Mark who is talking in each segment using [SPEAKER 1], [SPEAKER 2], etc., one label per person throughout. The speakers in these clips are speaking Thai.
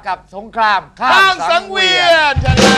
[SPEAKER 1] กับสงครามข้า
[SPEAKER 2] ข้าม
[SPEAKER 1] ม
[SPEAKER 2] สั
[SPEAKER 1] สั
[SPEAKER 2] ง
[SPEAKER 1] ง
[SPEAKER 2] เวี
[SPEAKER 1] เวี
[SPEAKER 2] ย
[SPEAKER 1] ย
[SPEAKER 2] น
[SPEAKER 1] น
[SPEAKER 2] ชนะ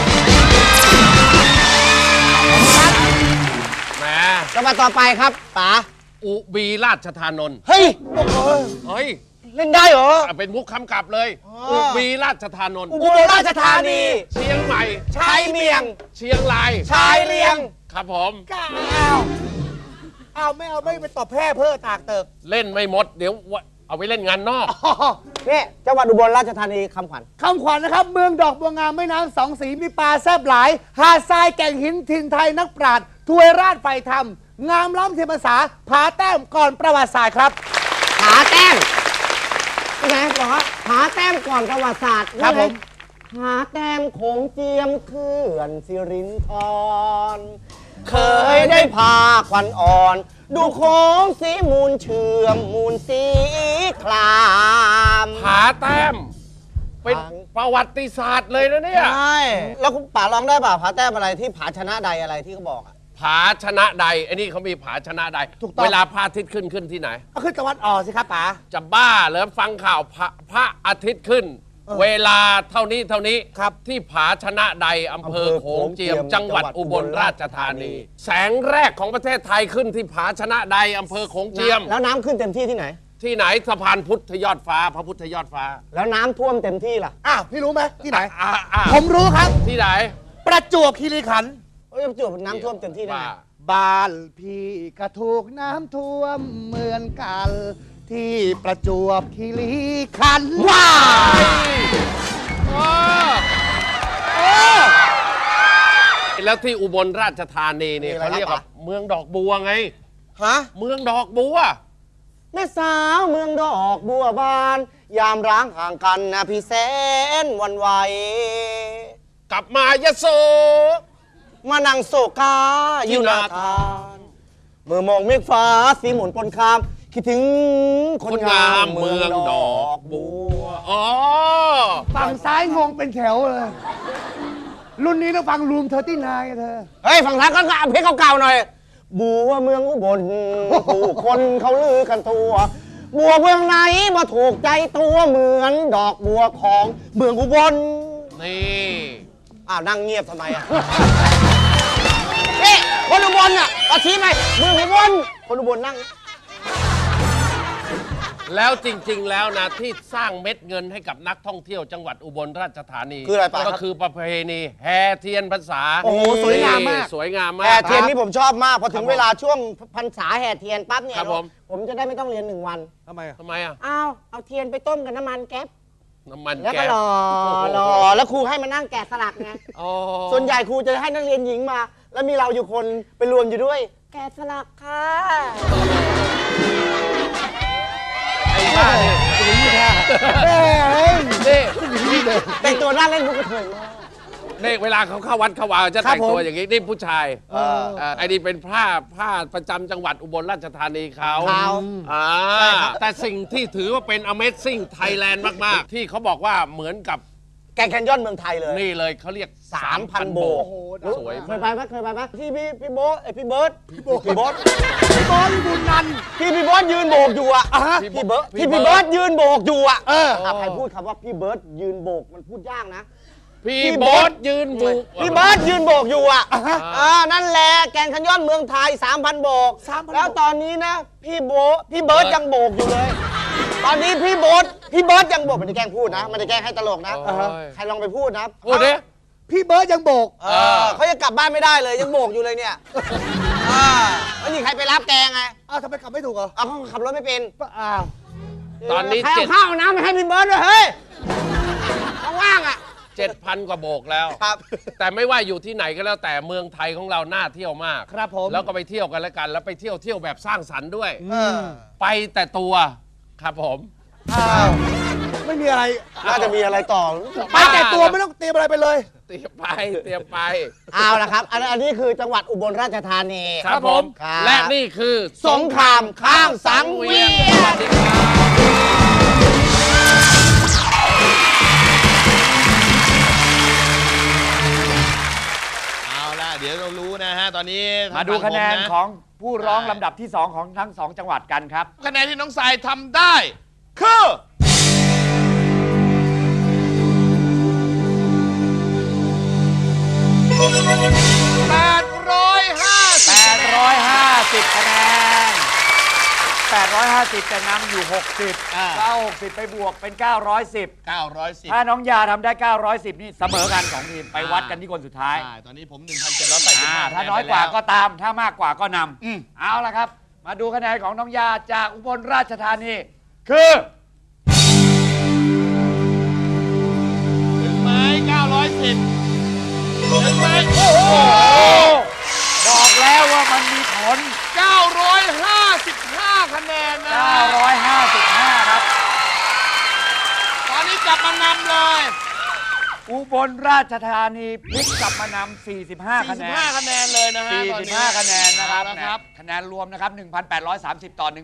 [SPEAKER 3] แหม
[SPEAKER 4] จังหวัดต่อไปครับป๋า
[SPEAKER 3] อุบีราชธานนท์
[SPEAKER 4] เฮ้ย
[SPEAKER 3] เฮ้ย
[SPEAKER 4] เล่นได้เหรอ
[SPEAKER 3] เป็นมุกคำกลับเลย อุบีราชธานนท์
[SPEAKER 4] อุบลราชธานี
[SPEAKER 3] เชียงใหม่
[SPEAKER 4] ชายเมียง
[SPEAKER 3] เชียงราย
[SPEAKER 4] ชายเลียง
[SPEAKER 3] ครับผม
[SPEAKER 4] เอาไม่ไปตอบแพร่เพื่อตากเติก
[SPEAKER 3] เล่นไม่หมด เดี๋ยวเอาไปเล่นงานนอก
[SPEAKER 4] นี่จังหวัดอุบลราชธานีคำขวัญ
[SPEAKER 5] คำขวัญนะครับ เมืองดอกบัวงามแม่น้ำสองสีมีปลาแซบหลาย หาดทรายแก่งหินถิ่นไทยนักปราชญ์ถวยราชไฟธรรม งามล้ำเทียมภาษาผาแต้มก่อนประวัติศาสตร์ครับ
[SPEAKER 4] ผาแต้มนี่ไงบอกว่าผาแต้มก่อนประวัติศาสตร์
[SPEAKER 5] ครับผม
[SPEAKER 4] ผาแต้มโขงเจียมเขื่อนสิรินธรเคยได้พาควันอ่อน ดูโค้งสีมูลเชื่อมมูลสีคลาม
[SPEAKER 3] ผาแต้ม เป็นประวัติศาสตร์เลยนะเนี่ย
[SPEAKER 4] ใช่แล้วคุณป๋าร้องได้ป่ะผาแต้มอะไรที่ผาชนะใดอะไรที่เขาบอกอะ
[SPEAKER 3] ผาชนะใดไอ้นี่เขามีผาชนะใด
[SPEAKER 5] ถูกต้อง
[SPEAKER 3] เวลาพระอาทิตย์ขึ้นที่ไหน
[SPEAKER 5] ก็คือตะวันออกสิครับป๋า
[SPEAKER 3] จะบ้าเหรอฟังข่าวพระอาทิตย์ขึ้น เวลาเท่านี้ครับที่ผาชนะใดอำเภอโขงเจียม จังหวัดอุบลราชธานี แสงแรกของประเทศไทยขึ้นที่ผาชนะใดอำเภอโขงเจียม
[SPEAKER 4] แล้วน้ำขึ้นเต็มที่ที่ไหน
[SPEAKER 3] ที่ไหนสะพานพุทธยอดฟ้า พระพุทธยอดฟ้า
[SPEAKER 4] แล้วน้ำท่วมเต็มที่ล่ะ
[SPEAKER 5] อ้าวพี่รู้ไหมที่ไหน
[SPEAKER 3] อ่ะ
[SPEAKER 5] ผมรู้ครับ
[SPEAKER 3] ที่ไหน
[SPEAKER 5] ประจวบคีรีขันธ์
[SPEAKER 4] เอ้ยประจวบน้ำท่วมเต็มที่ได้ไง
[SPEAKER 5] บ้านพี่ก็ถูกน้ำท่วมเหมือนกัน ที่ประจวบคีรีขันธ์ว้า
[SPEAKER 3] แล้วที่อุบลราชธานีเนี่ย
[SPEAKER 4] มีอะไร
[SPEAKER 3] เขาเรียก
[SPEAKER 4] ครั
[SPEAKER 3] ว่า
[SPEAKER 4] บ
[SPEAKER 3] เมืองดอกบัวไง
[SPEAKER 4] ฮะ
[SPEAKER 3] เมืองดอกบัว
[SPEAKER 4] แม่สาวเมืองดอกบัวบาน ยามร้างห่างกันนะพี่แสนหวันไหว
[SPEAKER 3] กลับมายะโส
[SPEAKER 4] มานั่งโศกาอยู่หนาทานเมื่อมองเมฆฟ้าสีหมุนปนคาม คิดถึงคนงามเมืองดอกบัว
[SPEAKER 3] อ๋อ
[SPEAKER 5] ฝั่งซ้ายงงเป็นแถวเลย รุ่นนี้ต้องฟังรูม39เธอ
[SPEAKER 4] เฮ้ยฝั่งท้ายก็เอาเพลงเก่าๆหน่อย บัวเมืองอุบลผู้คนเขาลือกันตัว บัวเมืองไหนมาถูกใจตัวเหมือนดอกบัวของเมืองอุบล
[SPEAKER 3] นี่
[SPEAKER 4] อ้าวนั่งเงียบทำไมอ่ะ นี่คนอุบลอ่ะเอาชี้ไปเมืองอุบลคนอุบลนั่ง
[SPEAKER 3] แล้วจริงๆ แล้วนะที่สร้างเม็ดเงินให้กับนักท่องเที่ยวจังหวัดอุบลราชธานี
[SPEAKER 4] คืออะไรปะครับ
[SPEAKER 3] ก็คือประเพณีแห่เทียนพรรษา
[SPEAKER 4] โอ้โหสวยงามมาก
[SPEAKER 3] สวยงามมาก
[SPEAKER 4] แห่เทียนนี่ผมชอบมากพอถึ
[SPEAKER 3] ครั
[SPEAKER 4] ง
[SPEAKER 3] บผม
[SPEAKER 4] เวลาช่วงพรรษาแห่เทียนปั๊บเนี่ย
[SPEAKER 3] ครับผม
[SPEAKER 4] ผมจะได้ไม่ต้องเรียน1 วัน
[SPEAKER 5] ทำไมอ่ะ
[SPEAKER 3] ทำไมอ่ะ
[SPEAKER 4] เอาเทียนไปต้มกับน้ำมันแก๊ป
[SPEAKER 3] น้ำมัน
[SPEAKER 4] แล้ว
[SPEAKER 3] แก๊
[SPEAKER 4] ก็
[SPEAKER 3] ส
[SPEAKER 4] รอแล้วครูให้มานั่งแกะสลักไง
[SPEAKER 3] อ๋อ
[SPEAKER 4] ส่วนใหญ่ครูจะให้นักเรียนหญิงมา แล้วมีเราอยู่คนไปรวมอยู่ด้วย แกะสลักค่ะ
[SPEAKER 3] ไอ้บ้าเนี่ยนี่
[SPEAKER 4] แต่งตัวน่าเล่นมุกกระเทยมาก
[SPEAKER 3] นี่เวลาเขาเข้าวัดเข้าวาจะแต่งตัวอย่างนี้นี่ผู้ชายไอ้นี่เป็นผ้าประจำจังหวัดอุบลราชธานีเขา
[SPEAKER 4] เขา
[SPEAKER 3] แต่สิ่งที่ถือว่าเป็น Amazing Thailand มาก ๆ ที่เขาบอกว่าเหมือนกับ
[SPEAKER 4] แกงแคนยอนเมืองไทยเลย
[SPEAKER 3] นี่เลยเขาเรียก
[SPEAKER 4] 3,000 โบก
[SPEAKER 5] โอ้โห
[SPEAKER 3] สวย
[SPEAKER 4] เคยไปไหมที่พี่โบ๊ทพี่เบิร์ดพี่โบ๊ท
[SPEAKER 5] พี่บอลบุญนันท์
[SPEAKER 4] พี่เบิร์ดยืนโบกอยู่อะ พี่เบิร์ดพี่เบิร์ดยืนโบกอยู่อะ ใครพูดคำว่าพี่เบิร์ดยืนโบกมันพูดยากนะ
[SPEAKER 3] พี่โบ๊ทยืนบุก
[SPEAKER 4] พี่เบิร์ดยืนโบกอยู่อะนั่นแหละแกงแคนยอนเมืองไทย 3,000 โบก แล้วตอนนี้นะพี่เบิร์ดยังโบกอยู่เลย ตอนนี้พี่เบิร์ดยังโบกไม่ได้แกล้งพูดนะไม่ได้แกล้งให้ตลกนะใครลองไปพูดนะ
[SPEAKER 3] พูดดิ
[SPEAKER 5] พี่เบิร์ดยังโบก
[SPEAKER 4] เขาจะกลับบ้านไม่ได้เลยยังโบกอยู่เลยเนี่ยไม่มีใครไปรับแกไง
[SPEAKER 5] อ้าวทำไมขับไม่ถูกเหรอ
[SPEAKER 4] เขาขับรถไม่เป็น
[SPEAKER 5] อ้าว
[SPEAKER 3] ตอนนี้
[SPEAKER 4] ใครเอาข้าวเอาน้ำไปให้พี่เบิร์ดด้วยเฮ้ยว่างๆอ่ะ
[SPEAKER 3] 7,000 กว่าโบกแล้ว
[SPEAKER 4] ครับ
[SPEAKER 3] แต่ไม่ว่าอยู่ที่ไหนก็แล้วแต่เมืองไทยของเราน่าเที่ยวมาก
[SPEAKER 5] ครับผม
[SPEAKER 3] แล้วก็ไปเที่ยวกันแล้วกัน แล้วไปเที่ยวแบบสร้างสรรค์ด้วย ไปแต่ตัวครับผม
[SPEAKER 5] ไม่มีอะไร
[SPEAKER 4] น่าจะมีอะไรต่อ
[SPEAKER 5] ไปแต่ตัวไม่ต้องเตรียมอะไรไปเลย
[SPEAKER 3] เตรียมไป
[SPEAKER 4] เอาละครับ อันนี้คือจังหวัดอุบลราชธานี
[SPEAKER 3] ครับผม
[SPEAKER 4] ครับ
[SPEAKER 3] และนี่คือ
[SPEAKER 4] สงครามข้ามสังเวียน
[SPEAKER 3] สวัสดีครับ
[SPEAKER 2] เอาล่ะ เดี๋ยวเรารู้นะฮะ ตอนนี้
[SPEAKER 1] มาดูคะแนน
[SPEAKER 2] ทาง
[SPEAKER 1] ของผู้ร้องลำดับที่ 2 ของทั้ง 2 จังหวัดกันครับ
[SPEAKER 2] คะแนนที่น้องสายทำได้ คือ
[SPEAKER 1] 850 คะแนน 850แต่นำอยู่ 60 ก็เอา60 ไปบวกเป็น 910
[SPEAKER 2] 910
[SPEAKER 1] ถ้าน้องยาทำได้ 910 นี่เสมอกัน2ทีมไปวัดกันที่คนสุดท้าย
[SPEAKER 2] ใช่ตอนนี้ผม 1,785
[SPEAKER 1] ถ้าน้อยกว่าก็ตาม ถ้ามากกว่าก็นำเอาละครับ มาดูคะแนนของน้องยาจากอุบลราชธานี คือ
[SPEAKER 2] ถึงไหม910 ถึงไหมโอ้โห
[SPEAKER 1] บอกแล้วว่ามันมีผล
[SPEAKER 2] 955 คะแนนนะ
[SPEAKER 1] 955 ครับ
[SPEAKER 2] ตอนนี้จับมานำเลย
[SPEAKER 1] อุบลราชธานีพลิกกลับมานำ45 คะแนน
[SPEAKER 2] 45 คะแนนเลยนะฮะตอนนี้
[SPEAKER 1] 45 คะแนนนะครับ
[SPEAKER 2] เอาละครับ
[SPEAKER 1] คะแนนรวมนะครับ 1,830 ต่อ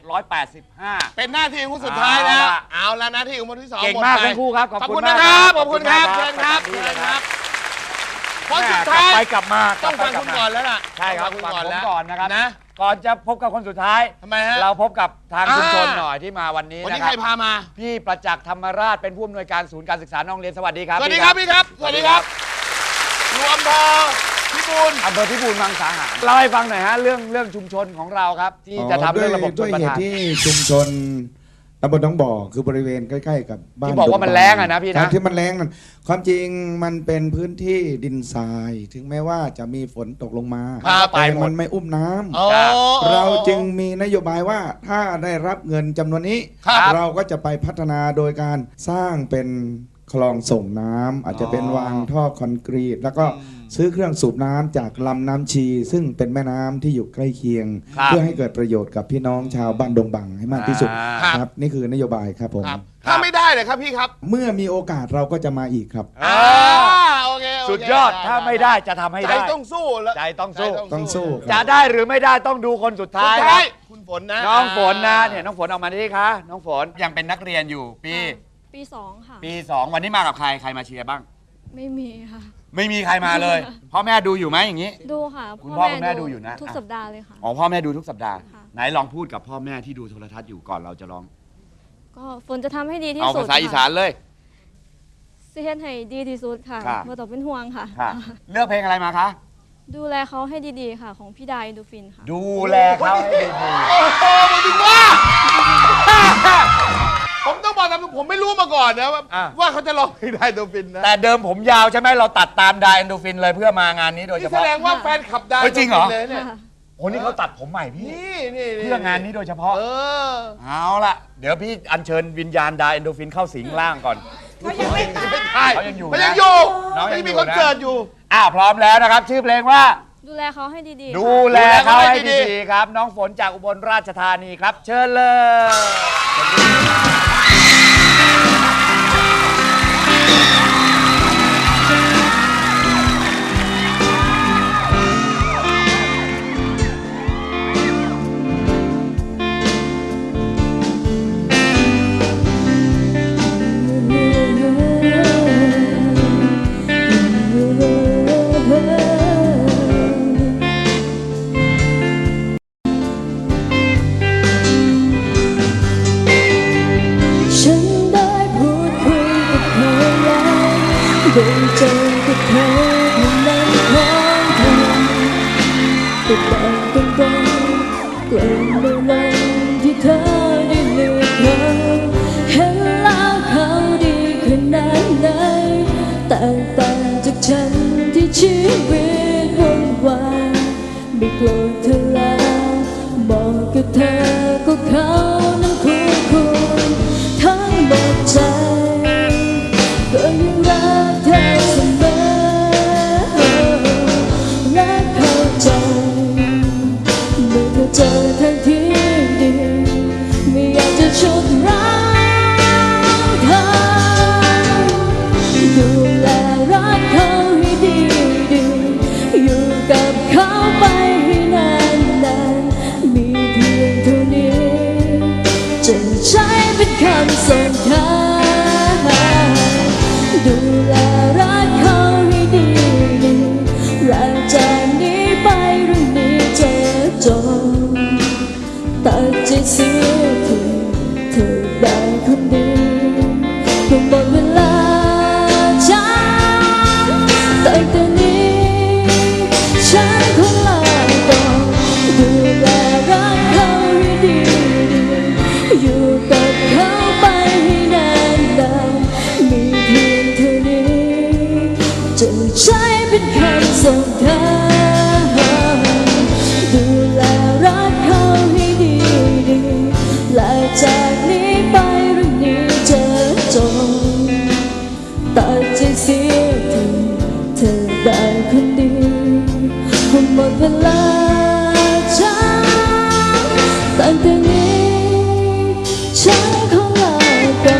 [SPEAKER 1] 1,785
[SPEAKER 2] เป็นหน้าที่ของคนสุดท้ายแล้ว
[SPEAKER 1] เอาล่ะ
[SPEAKER 2] เอาละหน้าที่ของคนที่ 2
[SPEAKER 1] เก่งมากทั้งคู่ครับ ขอบ
[SPEAKER 2] ขอบ
[SPEAKER 1] คุ
[SPEAKER 2] คุณ
[SPEAKER 1] ณ
[SPEAKER 2] นะ
[SPEAKER 1] มาก
[SPEAKER 2] ครับ ขอบคุณครับ
[SPEAKER 1] ข
[SPEAKER 2] เชิ
[SPEAKER 1] อ
[SPEAKER 2] ญ
[SPEAKER 1] ณ
[SPEAKER 2] ครับ
[SPEAKER 1] ดี
[SPEAKER 2] เชิญ
[SPEAKER 1] นะ
[SPEAKER 2] ค
[SPEAKER 1] ค
[SPEAKER 2] รั
[SPEAKER 1] รั
[SPEAKER 2] บบ คนสุดท้าย
[SPEAKER 1] ไปกลับมา
[SPEAKER 2] ต้องฟัง
[SPEAKER 1] กลั
[SPEAKER 2] คุ
[SPEAKER 1] บ
[SPEAKER 2] ณ
[SPEAKER 1] มา
[SPEAKER 2] ก่อนแล้วล่ะ
[SPEAKER 1] ใช่ครับ
[SPEAKER 2] ต้อง
[SPEAKER 1] ฟั
[SPEAKER 2] ฟั
[SPEAKER 1] ง
[SPEAKER 2] งคุณ
[SPEAKER 1] ผม
[SPEAKER 2] ก่
[SPEAKER 1] ก่
[SPEAKER 2] อ
[SPEAKER 1] อน น
[SPEAKER 2] แล้ว
[SPEAKER 1] นะครับ
[SPEAKER 2] นะ
[SPEAKER 1] ก่อนจะพบกับคนสุดท้าย
[SPEAKER 2] ทำไมฮะ
[SPEAKER 1] เราพบกับทาง
[SPEAKER 2] อ่า
[SPEAKER 1] ชุมชนหน่อยที่มาวันนี้
[SPEAKER 2] วันนี้
[SPEAKER 1] นะค
[SPEAKER 2] ใค
[SPEAKER 1] รั
[SPEAKER 2] ร
[SPEAKER 1] บ
[SPEAKER 2] พามา
[SPEAKER 1] พี่ประจักษ์ธรรมราชเป็นผู้อำนวยการศูนย์การศึกษาน้องเรียนสวัสดีครับ
[SPEAKER 2] สวัสดีครับพี่ครับ สวัสดีครับอยู่อำเภอพิบูล
[SPEAKER 1] อำเภอพิบูลมังสาหารเล่าให้ฟังหน่อยฮะเรื่องชุมชนของเราครับ ที่จะทำเรื่องระบบช
[SPEAKER 6] ด้วน ย
[SPEAKER 1] ประ
[SPEAKER 6] เห
[SPEAKER 1] ทา
[SPEAKER 6] ตุ
[SPEAKER 1] น
[SPEAKER 6] ที่ชุมชนตำบลหนองบ่อคือบริเวณใกล้ๆกับบ้าน
[SPEAKER 1] ที่บอกว่ามันแล้งอะนะพี่นะ
[SPEAKER 6] ครับที่มันแล้งนั่นความจริงมันเป็นพื้นที่ดินทราย ถึงแม้ว่าจะมีฝนตกลงมา
[SPEAKER 1] ครับ
[SPEAKER 6] แต่มันไม่อุ้มน้ำ
[SPEAKER 2] อ๋อ
[SPEAKER 6] เราจึงมีนโยบายว่าถ้าได้รับเงินจำนวนนี้
[SPEAKER 1] ครับ
[SPEAKER 6] เราก็จะไปพัฒนาโดยการสร้างเป็นคลองส่งน้ำอาจจะเป็นวางท่อคอนกรีต แล้วก็ซื้อเครื่องสูบน้ำจากลำน้ำชี ซึ่งเป็นแม่น้ำที่อยู่ใกล้เคียง
[SPEAKER 1] ครับ
[SPEAKER 6] เพื่อให้เกิดประโยชน์กับพี่น้องชาวบ้านดงบังให้มากที่สุด
[SPEAKER 2] ครับ
[SPEAKER 6] ครับนี่คือนโยบายครับผม
[SPEAKER 2] ครับ ถ้าไม่ได้เลยครับพี่ครับ
[SPEAKER 6] เมื่อมีโอกาสเราก็จะมาอีกครับ
[SPEAKER 1] อ่า
[SPEAKER 2] โอเคโเค
[SPEAKER 1] สุดยอดถ้าไม่ได้จะทำให้
[SPEAKER 2] ใจ
[SPEAKER 1] ได้
[SPEAKER 2] ต้องสู้แล้ว
[SPEAKER 1] ใจต้องสู้
[SPEAKER 6] ต้องสู้ครับ
[SPEAKER 1] จะได้หรือไม่ได้ต้องดูคนสุด
[SPEAKER 2] สุ
[SPEAKER 1] ท้าย
[SPEAKER 2] ด
[SPEAKER 1] ค
[SPEAKER 2] ท้า
[SPEAKER 1] รั
[SPEAKER 2] ย
[SPEAKER 1] บ
[SPEAKER 2] คุณฝนนะ
[SPEAKER 1] น้องฝนนะเนี่ยน้องฝนออกมาดิคะน้องฝนยังเป็นนักเรียนอยู่ปี
[SPEAKER 7] ปี 2 ค่ะ
[SPEAKER 1] ปี 2 วันนี้มากับใครใครมาเชียร์บ้าง
[SPEAKER 7] ไม่มีค่ะ
[SPEAKER 1] ไม่มีใครมาเลยพ่อแม่ดูอยู่ไหมอย่างนี้
[SPEAKER 7] ดูค่ะ
[SPEAKER 1] คุณพ่อคุณแม่ดูอยู่นะ
[SPEAKER 7] ทุกสัปดาห์เลยค่ะ
[SPEAKER 1] อ๋อพ่อแม่ดูทุกสัปดาห์
[SPEAKER 7] ค่ะ
[SPEAKER 1] ไหนลองพูดกับพ่อแม่ที่ดูโทรทัศน์อยู่ก่อนเราจะลอง
[SPEAKER 7] ก็ฝนจะทำให้ดีที่
[SPEAKER 1] เอา
[SPEAKER 7] สุด
[SPEAKER 1] ภาษาอีสานเลย
[SPEAKER 7] สิเฮ็ดให้ดีที่สุดค่ะ
[SPEAKER 1] ค่ะ
[SPEAKER 7] บ่ต้องเป็นห่วงค่ะ
[SPEAKER 1] ค่ะเลือกเพลงอะไรมาคะ
[SPEAKER 7] ดูแลเขาให้ดีๆค่ะ ของพี่ดาอินดูฟินค่ะ
[SPEAKER 1] ดูแลเขาให้ดี
[SPEAKER 2] โอ้โหมาถึงว่า ผมต้องบอกตามตรงผมไม่รู้มาก่อนนะว่าเขาจะร้องเพลงได้ตัวฟินนะ
[SPEAKER 1] แต่เดิมผมยาวใช่ไหมเราตัดตามไดเอนโดฟินเลยเพื่อมางานนี้โดยเฉ
[SPEAKER 2] นี่แส
[SPEAKER 1] พาะ
[SPEAKER 2] ดงว่าแฟนขับได้
[SPEAKER 1] เฮ้ยจริงเหรอ
[SPEAKER 2] เลยเนี่ย
[SPEAKER 7] ค่ะ
[SPEAKER 1] โอ้นี่เขาตัดผมใหม่พี่
[SPEAKER 2] นี่
[SPEAKER 1] เพื่องานนี้โดยเฉพาะ
[SPEAKER 2] เออ
[SPEAKER 1] เอาล่ะ เดี๋ยวพี่อัญเชิญวิญญาณไดเอนโดฟินเข้าสิงร่างก่อน
[SPEAKER 2] ไม่ใช่
[SPEAKER 1] เขายังอยู่นะ
[SPEAKER 2] มันยังอยู่
[SPEAKER 1] น้องยัง
[SPEAKER 2] ยังมี
[SPEAKER 1] อยู่
[SPEAKER 2] คอน
[SPEAKER 1] นะ
[SPEAKER 2] เสิร์ตอยู่
[SPEAKER 1] พร้อมแล้วนะครับ ชื่อเพลงว่า
[SPEAKER 7] ดูแลเขาให้ดีๆ
[SPEAKER 1] ดู
[SPEAKER 7] ค่ะ
[SPEAKER 1] แลเขาให้
[SPEAKER 2] ดูแลเขาให้ดี
[SPEAKER 1] ดีๆครับ น้องฝนจากอุบลราชธานีครับ เชิญเลย
[SPEAKER 7] ฉันได้พูดคุยกับเธอแล้วได้เจอกับเธอในนั้นของเธอแต่บอกตรงๆกลัวในวันที่เธอได้เลือกเขาเห็นแล้วเขาดีขนาดไหนแตกต่างจากฉันที่ชีวิตวุ่นวายไม่โกรธเธอแล้วบอกกับเธอก็เขานั้นคู่ควรทั้งหมดใจก็ยังรักเธอเสมอรักเข้าใจเมื่อเธอเจอทางที่ดีไม่อยากจะชุดร้ายเธอดูแลรักเขาให้ดีๆอยู่กับเขาไปให้นานๆมีเพียงเท่านี้จะใช้เป็นคำส่งท้ายดูแลรักเขาให้ดีๆรักจากนี้ไปเรื่องนี้จะจบตัดใจเสียทีเธอได้คนดีคงหมดเวลาฉันตั้งแต่นี้เป็นคนส่งเธอดูแลรักเขาให้ดีๆและจากนี้ไปเรื่องนี้จะจบตัดใจเสียทีเธอได้คนดีหมดเวลาฉันตั้งแต่นี้ฉันขอลาก่อน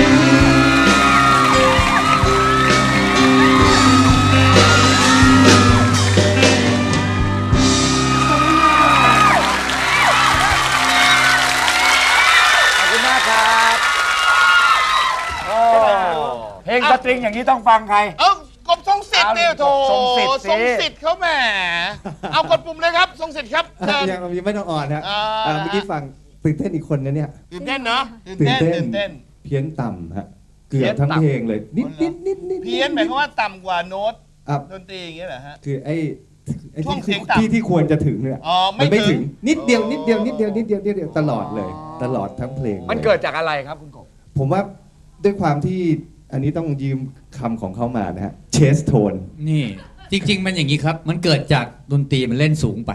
[SPEAKER 1] ขอบคุณมากครับโอ้เพลงสตริงอย่างนี้ต้องฟังใคร
[SPEAKER 2] เอ้ากบทรงสิทธิ์เนี่ยโถ
[SPEAKER 1] ทรงสิทธิ์สิ
[SPEAKER 2] ทรงสิทธิ์เขาแหมเอากดปุ่มเลยครับทรงสิทธิ์ครับเชิญ
[SPEAKER 8] ยังไม่ต้องอ่อนฮะ
[SPEAKER 2] อ่า
[SPEAKER 8] เมื่อกี้ฟังตื่นเต้นอีกคนนะเนี่ย
[SPEAKER 2] ตื่นเต้นเนาะตื่น
[SPEAKER 8] ตื่น
[SPEAKER 2] เต้น
[SPEAKER 8] เต้น
[SPEAKER 2] ตื่นเต้น
[SPEAKER 8] เพี้ยนต่ำฮะเกือบทั้งเพลงเลย นิด
[SPEAKER 2] เพี้ยนหมายความว่าต่ำกว่าโน้ต
[SPEAKER 8] อ่ะ
[SPEAKER 2] ดนตรีอย่างเงี้ยเหรอฮะ
[SPEAKER 8] คือไอ้
[SPEAKER 2] ช่วงเสียงต่ำ
[SPEAKER 8] ที่ควรจะถึงเนี่ย
[SPEAKER 2] อ๋อไม่
[SPEAKER 8] มันไม่
[SPEAKER 2] ถึ
[SPEAKER 8] ถึ
[SPEAKER 2] ง
[SPEAKER 8] งนิดเดียวนิดเดียวนิดเดียวนิดเดียวนิดเดียวตลอดเลย ตลอดทั้งเพลง
[SPEAKER 1] มัน
[SPEAKER 8] ลย
[SPEAKER 1] เกิดจากอะไรครับคุณกบ
[SPEAKER 8] ผมว่าด้วยความที่อันนี้ต้องยืมคำของเขามานะฮะเชสโทน
[SPEAKER 9] นี่จริง ๆ มันอย่างนี้ครับ มันเกิดจากดนตรีมันเล่นสูงไป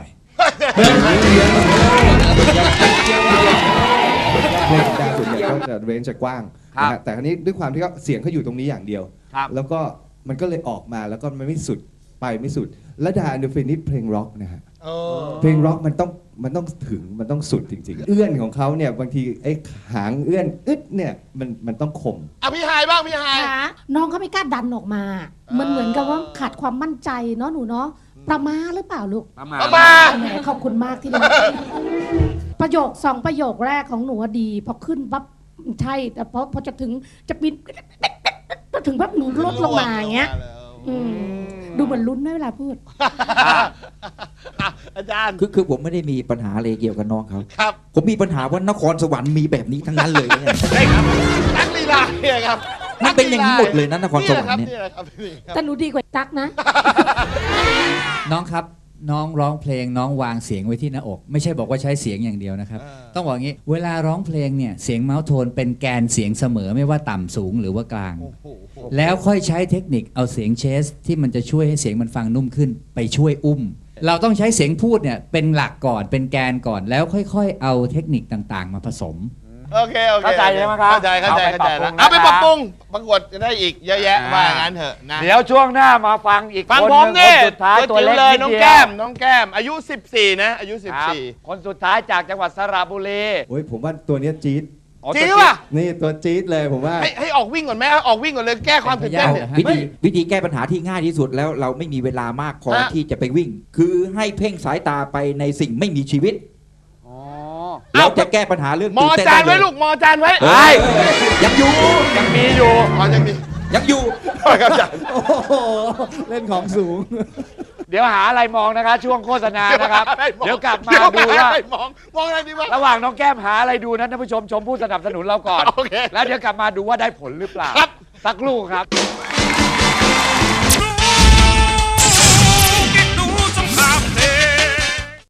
[SPEAKER 8] เพลงดาวส่วนใหญ่ก็จะเรนจ์จะกว้าง
[SPEAKER 1] ครับ
[SPEAKER 8] นะฮะแต่คราวนี้ด้วยความที่เขาเสียงเขาอยู่ตรงนี้อย่างเดียว
[SPEAKER 1] ครับ
[SPEAKER 8] แล้วก็มันก็เลยออกมาแล้วก็มันไม่สุดไปไม่สุด และดาอันเดอร์ฟินิชเพลงร็อกนะฮะ
[SPEAKER 2] เออ
[SPEAKER 8] เพลงร็อกมันต้องถึงมันต้องสุดจริงๆ เอื้อนของเขาเนี่ยบางทีไอ้หางเอื้อนอึดเนี่ยมันต้องคม
[SPEAKER 2] อ่ะพี่ฮายบ้างพี่ฮาย
[SPEAKER 10] ค่ะน้องเขาไม่กล้าดันออกมา มันเหมือนกับว่าขาดความมั่นใจเนาะหนูเนาะประมาหรือเปล่าลูก
[SPEAKER 1] ประมาณ
[SPEAKER 2] ประมาณ
[SPEAKER 10] แหมขอบคุณมากที่ดูประโยค2ประโยคแรกของหนูอะดีพอขึ้นปั๊บใช่แต่พอจะถึงจะบินก็ถึงปั๊บหนูลดลงมาอย่างเงี้ยดูเหมือนลุ้นด้วยเวลาพูด
[SPEAKER 2] อ่ะอาจารย์
[SPEAKER 11] คือผมไม่ได้มีปัญหาอะไรเกี่ยวกับน้องเขา
[SPEAKER 2] ครับ
[SPEAKER 11] ผมมีปัญหาว่านครสวรรค์มีแบบนี้ทั้งนั้นเลยเนี่ย
[SPEAKER 2] ได้ครับนักลีลาเนี่ยครับ
[SPEAKER 11] มันเป็นอย่างนี้หมดเลยนะนครสวรรค์เนี่ย
[SPEAKER 2] นี่แหละครับนี่แหละครับ
[SPEAKER 10] แต่หนูดีกว่าตั๊กนะ
[SPEAKER 9] น้องครับน้องร้องเพลงน้องวางเสียงไว้ที่หน้าอก ไม่ใช่บอกว่าใช้เสียงอย่างเดียวนะครับ ต้องบอกงี้เวลาร้องเพลงเนี่ยเสียงเมาส์โทนเป็นแกนเสียงเสมอไม่ว่าต่ำสูงหรือว่ากลาง แล้วค่อยใช้เทคนิคเอาเสียงเชสที่มันจะช่วยให้เสียงมันฟังนุ่มขึ้นไปช่วยอุ้ม เราต้องใช้เสียงพูดเนี่ยเป็นหลักก่อนเป็นแกนก่อนแล้วค่อยๆ เอาเทคนิคต่างๆ มาผสม
[SPEAKER 2] โอเคโอเค
[SPEAKER 1] เข้าใจใช่ไหมครับ
[SPEAKER 2] เข้าใจเข้าใจ
[SPEAKER 1] เอาไปปรับปรุง
[SPEAKER 2] แล้วเอาไปปรับปรุงประกวดจะได้อีกเยอะแยะว่าอย่างนั้นเถอะนะ
[SPEAKER 1] เดี๋ยวช่วงหน้ามาฟังอีก
[SPEAKER 2] ฟัง
[SPEAKER 1] คน
[SPEAKER 2] ผม
[SPEAKER 1] หนึ่ง
[SPEAKER 2] นี่
[SPEAKER 1] คนสุดท้ายตัวเล็ก
[SPEAKER 2] เลย
[SPEAKER 1] นิด
[SPEAKER 2] น้อง
[SPEAKER 1] เดียว
[SPEAKER 2] แก้มน้องแก้มอายุ 14 นะอายุ
[SPEAKER 1] ครับคนสุดท้ายจากจังหวัดสระบุรี
[SPEAKER 8] โอ้ยผมว่าตัวเนี้ยจี๊ด
[SPEAKER 1] อ๋อ
[SPEAKER 2] 14จริง
[SPEAKER 1] ตัว
[SPEAKER 2] ป่ะ
[SPEAKER 8] นี่ตัวจี๊ดเลยผมว่า
[SPEAKER 2] ให้ออกวิ่งก่อนไหมออกวิ่งก่อนเลยแก้ความตื่นเต้นเนี่ย
[SPEAKER 11] วิธีแก้ปัญหาที่ง่ายที่สุดแล้วเราไม่มีเวลามากพอ
[SPEAKER 2] ฮะ
[SPEAKER 11] ที่จะไปวิ่ง คือให้เพ่งสายตาไปในสิ่งไม่มีชีวิต
[SPEAKER 1] อ๋อ
[SPEAKER 11] เราจะแก้ปัญหาเรื่อง
[SPEAKER 2] มอ
[SPEAKER 11] ตื่นเต้น
[SPEAKER 2] จาน
[SPEAKER 11] ได้
[SPEAKER 2] ไว้
[SPEAKER 11] เลย
[SPEAKER 2] ลูกมอจานไว้
[SPEAKER 11] เฮ้ยยังอยู่
[SPEAKER 1] ยังมีอยู่
[SPEAKER 2] อ๋อยังมี
[SPEAKER 11] ยังอยู่
[SPEAKER 2] ครับอาจารย์
[SPEAKER 8] โอ้โหเล่นของสูง
[SPEAKER 1] เดี๋ยวหาอะไรมองนะคะ ช่วงโฆษณานะครับ เดี๋ยวกลับมา
[SPEAKER 2] เดี๋ยว
[SPEAKER 1] ดูว่า
[SPEAKER 2] อะไรมองอะไรดีวะ
[SPEAKER 1] ระหว่างน้องแก้มหาอะไรดูนะท่านผู้ชมชมผู้สนับสนุนเราก่อน
[SPEAKER 2] โอเค
[SPEAKER 1] แล้วเดี๋ยวกลับมาดูว่าได้ผลหรือเปล่า
[SPEAKER 2] ครับ
[SPEAKER 1] สักครู่ครับ
[SPEAKER 2] ค